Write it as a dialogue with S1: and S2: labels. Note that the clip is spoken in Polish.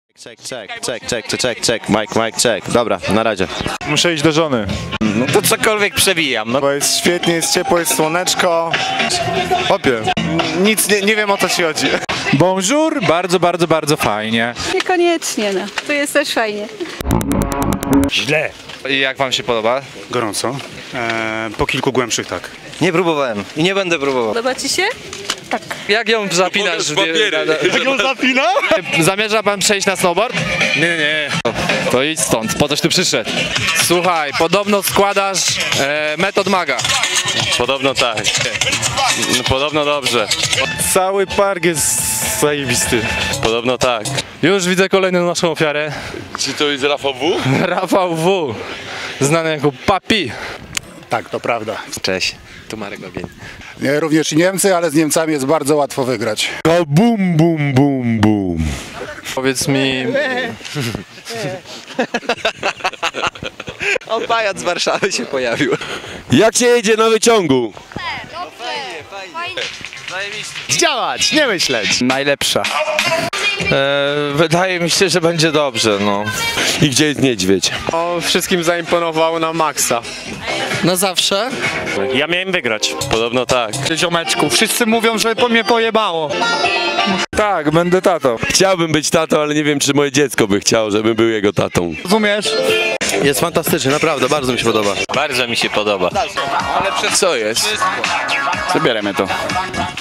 S1: Czek. Mike, czek. Dobra, na razie.
S2: Muszę iść do żony.
S3: No to cokolwiek przebijam. No.
S2: Bo jest świetnie, jest ciepło, jest słoneczko. Opie, nic nie wiem, o co ci chodzi.
S4: Bonjour, bardzo fajnie.
S5: Niekoniecznie, no. Tu jest też fajnie.
S4: Źle. I jak wam się podoba?
S6: Gorąco. Po kilku głębszych tak.
S3: Nie próbowałem i nie będę próbował.
S5: Podoba ci się?
S4: Jak ją zapinasz?
S2: Jak ją zapina?
S4: Zamierza pan przejść na snowboard? Nie. To idź stąd, po coś tu przyszedł. Słuchaj, podobno składasz metod maga.
S1: Podobno tak. Podobno dobrze.
S2: Cały park jest zajebisty.
S1: Podobno tak.
S4: Już widzę kolejną naszą ofiarę.
S1: Czy to jest Rafał W?
S4: Rafał W. Znany jako Papi.
S7: Tak, to prawda.
S3: Cześć, tu Marek Babień.
S7: Nie, również i Niemcy, ale z Niemcami jest bardzo łatwo wygrać.
S2: Bum.
S4: Powiedz mi...
S3: O, pajac z Warszawy się pojawił.
S1: Jak się jedzie na wyciągu?
S2: Działać, nie myśleć.
S4: Najlepsza. Wydaje mi się, że będzie dobrze, no.
S1: I gdzie jest niedźwiedź?
S4: Wszystkim zaimponowało na maksa.
S5: Na zawsze.
S6: Ja miałem wygrać.
S1: Podobno tak.
S4: Ziomeczku, wszyscy mówią, że po mnie pojebało. Tak, będę tatą.
S1: Chciałbym być tatą, ale nie wiem, czy moje dziecko by chciało, żebym był jego tatą.
S4: Rozumiesz?
S1: Jest fantastyczny, naprawdę, bardzo mi się podoba.
S3: Bardzo mi się podoba.
S1: Co jest?
S6: Zabieramy to.